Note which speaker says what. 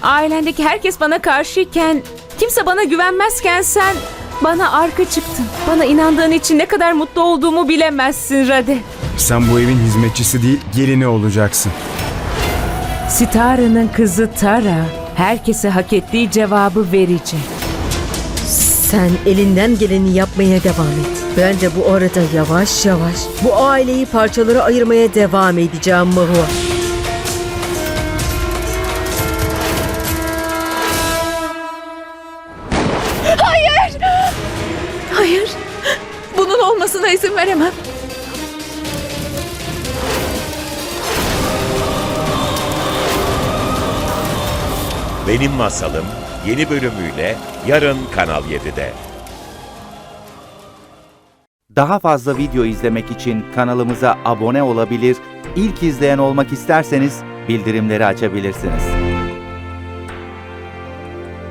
Speaker 1: Ailendeki herkes bana karşıyken, kimse bana güvenmezken sen bana arka çıktın. Bana inandığın için ne kadar mutlu olduğumu bilemezsin Rade.
Speaker 2: Sen bu evin hizmetçisi değil, gelini olacaksın.
Speaker 1: Sitara'nın kızı Tara herkese hak ettiği cevabı verecek.
Speaker 3: Sen elinden geleni yapmaya devam et. Ben de bu arada yavaş yavaş bu aileyi parçalara ayırmaya devam edeceğim Mahua.
Speaker 1: Hayır, bunun olmasına izin veremem.
Speaker 4: Benim Masalım yeni bölümüyle yarın Kanal 7'de.
Speaker 5: Daha fazla video izlemek için kanalımıza abone olabilir, ilk izleyen olmak isterseniz bildirimleri açabilirsiniz.